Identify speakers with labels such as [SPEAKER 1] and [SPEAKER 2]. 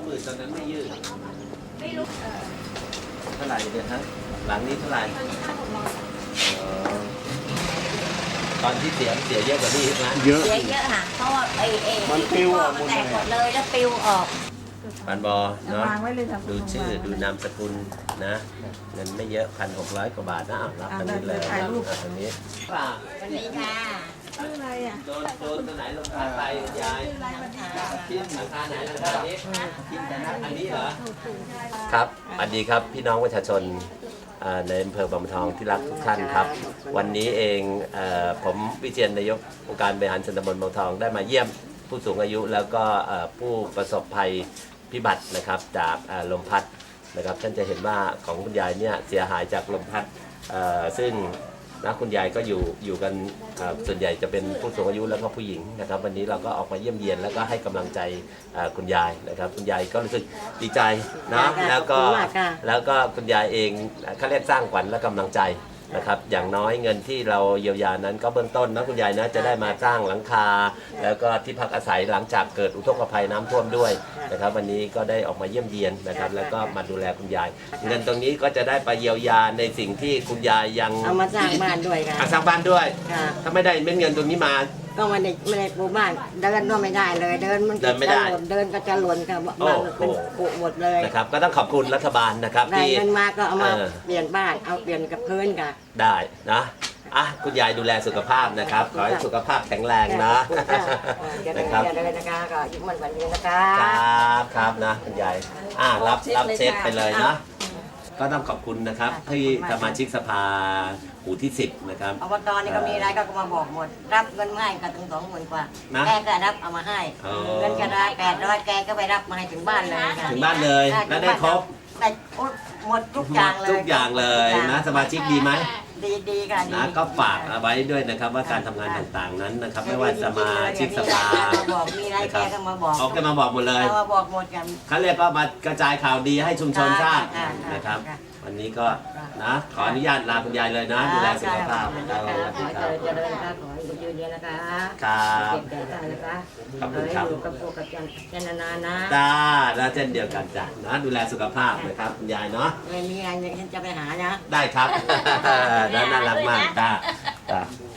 [SPEAKER 1] 20,000ตอนนั้นไม่ยืดไม่รู้เท่าไหร่เนี่ยฮะหลังนี้เท่าไหร่ตอนที่เสียเยอะกว่านี้นะ
[SPEAKER 2] เยอะ
[SPEAKER 3] ค่ะเพราะว่า
[SPEAKER 2] มันปลิวออกหมดเลย
[SPEAKER 3] แตกหมดเลยแล้วปลิวออก
[SPEAKER 1] ปันบอเนาะดูชื่อดูนามสกุลนะเงินไม่เยอะ1,600 กว่าบาทนะรับอันนี้เลยอันนี้
[SPEAKER 3] วันนี้ค่ะ
[SPEAKER 4] ชื่ออะไรอ่ะ
[SPEAKER 1] โดนตัวไหนลงท้ายไปยายที่ราคาไหนราคานี้อันนี้เหรอครับสวัสดีครับพี่น้องประชาชนในอำเภอบางบัวทองที่รักทุกท่านครับวันนี้เองผมวิเชียรนายกองค์การบริหารส่วนตำบลบางบัวทองได้มาเยี่ยมผู้สูงอายุแล้วก็ผู้ประสบภัยพิบัตินะครับจากลมพัดนะครับท่านจะเห็นว่าของคุณยายเนี่ยเสียหายจากลมพัดซึ่งนะคุณยายก็อยู่กันส่วนใหญ่จะเป็นผู้สูงอายุแล้วก็ผู้หญิงนะครับวันนี้เราก็ออกมาเยี่ยมเยียนแล้วก็ให้กำลังใจคุณยายนะครับคุณยายก็รู้สึกดีใจนะแล้วก็คุณยายเองเขาเรียกสร้างขวัญและกำลังใจนะครับอย่างน้อยเงินที่เราเยียวยานั้นก็เบื้องต้นนะคุณยายนะจะได้มาสร้างหลังคาแล้วก็ที่พักอาศัยหลังจากเกิดอุทกภัยน้ำท่วมด้วยนะครับวันนี้ก็ได้ออกมาเยี่ยมเยียนนะครับแล้วก็มาดูแลคุณยายเงินตรงนี้ก็จะได้ไปเยียวยาในสิ่งที่คุณยายยัง
[SPEAKER 3] เอามาสร้างบ้านด้วยค่ะ
[SPEAKER 1] สร้างบ้านด้วยถ้าไม่ได้เงินตรงนี้มา
[SPEAKER 3] ก็ไม่ได้ปลูกบ้านเดินก็ไม่ได้เลยเดินมันจะหล่นเดินก็จะหล่นค่ะบ้านเป็นปุหมดเลย
[SPEAKER 1] นะครับก็ต้องขอบคุณรัฐบาลนะครับ
[SPEAKER 3] ที่เงินมาก็เอามาเปลี่ยนบ้านเอาเปลี่ยนกับพื้นค่ะ
[SPEAKER 1] ได้นะคุณยายดูแลสุขภาพนะครับขอให้สุขภาพแข็งแรงนะ
[SPEAKER 3] นะครับเลยนะคะก็ยิ้มมันวันนี้นะคะ
[SPEAKER 1] ครับนะคุณยายรับเช็คไปเลยนะก็ต้องขอบคุณนะครับที่สมาชิกสภาหมู่ที่10นะครับ
[SPEAKER 3] อบตนี่ก็มีอะไรก็มาบอกหมดรับเงินให้กันถึง20,000 กว่าแกก็รับเอามาให้เงินกระดาษ800แกก็ไปรับมาให้ถึงบ้านเลย
[SPEAKER 1] ถึงบ้านเลยแล้วได้ครบ
[SPEAKER 3] ได้หมดทุกอย่างเลย
[SPEAKER 1] ทุกอย่างเลยนะสมาชิกดีไหม
[SPEAKER 3] ดีค่ะ
[SPEAKER 1] นะก็ฝากเอาไว้ด้วยนะครับว่าการทำงานต่างๆนั้นนะครับไม่ว่าสมาชิกสภา
[SPEAKER 3] บอกมีอะไรแกก็มาบอก
[SPEAKER 1] แกมาบอกหมดเลย
[SPEAKER 3] มาบอกหมดกัน
[SPEAKER 1] เขาเรียกว่ามากระจายข่าวดีให้ชุมชนทราบนะครับวันนี้ก็นะขออนุญาตลาคุณยายเลยนะดูแลสุขภาพ
[SPEAKER 3] ขอเจริญค่ะขอให้ยืนเรียนนะคะ
[SPEAKER 1] ครับ
[SPEAKER 3] ขอบคุณครับอยู่กับพวกกับจันนานนะ
[SPEAKER 1] ได้เช่นเดียวกันจ้ะนะดูแลสุขภาพนะครับคุณยายเนาะ
[SPEAKER 3] ไม่มีอะไรฉันจะไปหานะ
[SPEAKER 1] ได้ครับน่ารักมากจ้า